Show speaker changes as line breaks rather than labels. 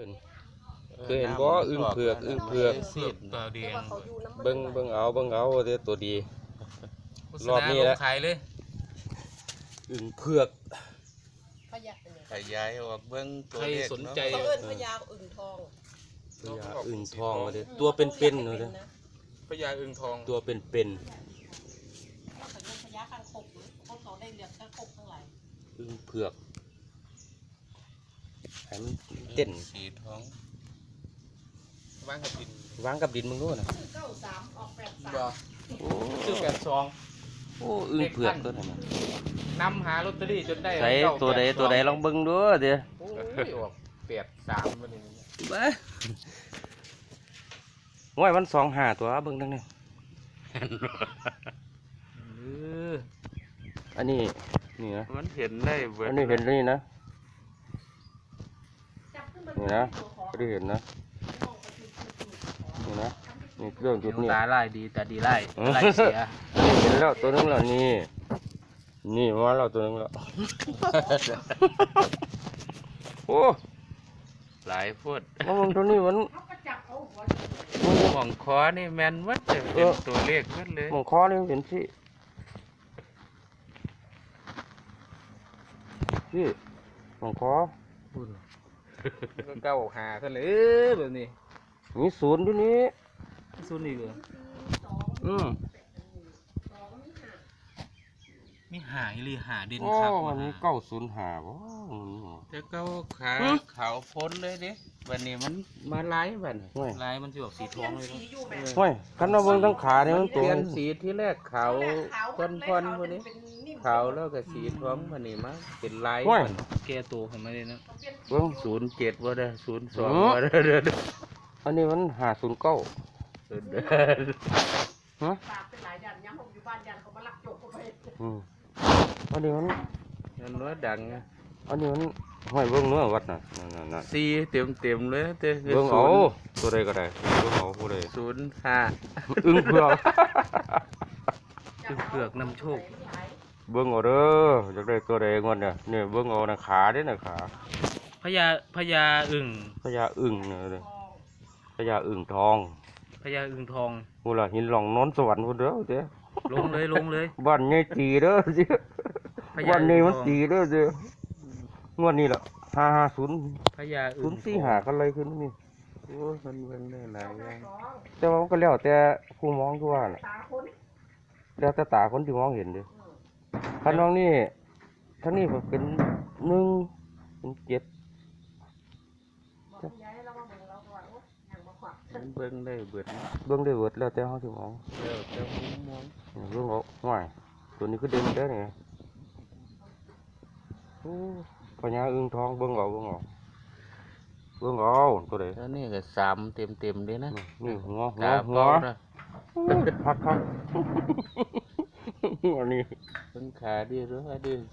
เคยเห็นบ่อึ่งเผือก
ตัวแดง
เบิ่งเอาเด้อตัวดีรอบนี้
แห
แห
ละ
ละ
ขายเลย
อึ่งเผือก
ขยายออกเบิ่งตัว
ใคร
เลข
สน
เนาะ
ใจ
เขาเอิ้นพญาอึ่งทอง
พญาอึ่งทองมาเด้อตัวเป็นๆเลยเด้อ
พญาอึ่งทอง
ตัวเป็น
เขาเอิ้นพญาคางคกหรือพวกเขาได้เรียกคางคกทั้งหลาย
ๆอึ่งเผือกให้มันเต้น
สีทอง
ว่างกับดิน
วางกับดินมึงดูน่ะ
ชื่อ93ออก83
บ่
โอ้
ชื่อ82
โอ้อึ่งเผือกตัวนั้นน่ะ
นำหาลอตเตอรี่จนได้
ใส่ตัวใดลองเบิ่งดูเด้อ
โอ้ยออก83วันนี้
บ้าโอ้ยมัน25ตัวเบิ่งดังนี้ อันนี้นี่นะ
มันเห็นได้เบิด
อันนี้เห็นนี่นะ
จับขึ้นมา
นี่นะก็ได้เห็นนะนี่นะนี่เรื่องจุดนี้
ตาไล่ดีตาดีไล่ไล่เสีย
เห็นแล้วตัวนึงแล้วนี่นี่มาแล้วตัวนึงแล้ว โอ้
หลายพุด
มันตัวนี้มัน
เขาก็จับเอาหัว
หม่องคอนี่แม่นวัดจะเป็นตัวเลขหมดเลย
มองคอนี่มันเป็นสิพี่มองคอ
ก็เก้าหาท่านเลยแบบนี้
มีศูนย์อยู่นี่
ซุนอีกเหรอ
อืม
มีหายหรือหาดิน
โอ้
ครับ
วันนี้905บ่
จะเก้าขาขาวพ้นเลยเด้วันนี้มันมาไล่บัดนี้
ห่วย
ลายมันจะออกสีทองเลย
สีอยู่แบบ
ห่วยคันว่าเบิ่งทั้งขาเนี่ยมัน
เป
ตัว
ลี่ยนสีที่แรกขาว
ขาว
พ้นๆพวกนี้ขาวแล้วก็สีทองวันนี้มาเป็นลาย
ห่วย
แก้ตัวผมไม่ได้นะ
เบิ่ง
07ว่าได้02
อืม
ว่าได้เด้อ
อันนี้มัน509 ฮะ
ปากเป็นหลายยันย้ำผมอยู่บ้านยันเขามาลักโจกเข้าไป
อืมอันนี้มัน
นั่นว่าดังนะ
อันนี้มันห้อยเบิ่งเนื้อวัดน่ะนั่น
สีเต็มเลยเต้
ๆเบิ่งเอาตัวใดก็ได้เบิ่งเอาผู้ใด
05
อึ้งเผือก
เผือกนำโชค
เบิ่งเอาเด้ออยากได้ตัวใดงวดเนี่ยนี่เบิ่งเอานะขาเด้น่ะขา
พญาอึ่ง
พญาอึ้งเนี่ยเด้อพญาอึ้งทอง
พญาอึ่งทอง
พูดล่ะหินหลองนอนสวรรค์พุ่นเด้อเด้อ
ลงเลย
บ้านใหญ่ตีเด้อเด้อ
พญา
บ้านนี้มัน
อึ่งทอง
ตีเด้อเด้องวดนี้ล่ะ550
พญาอึ่ง
045กันเลยขึ้นนี่
โอ้ยมันเบิ่งได้หลายอย่าง
แต่ว่ามันก็แล้วแต่ผู้มองคือว่าน่ะ
ตาคน
แล้วแต่ตาคนที่มองเห็นเด้อคันน้องนี่ทั้งนี้ก็เป็น1เป็น7
บอกยายเรามาเบิ่งเราก่อนโอ้ยังมาขวัก
มันเบิ่งได้เบิดนะ
เบิ่งได้เบิดแล้วแต่เฮาสิมอง
แล้วแต่มุมมอง
เบิ่งเอาห่วยตัวนี้คือเด่นเด้อนี่โอ้พญาอึ่งทองเบิ่งเอาตัวใด
แล้วนี่ก็3เต็มเลยนะ
นี่หัว
ตาเป้านะ
พักอันนี้
เพิ่นขาดีหรือว่าดี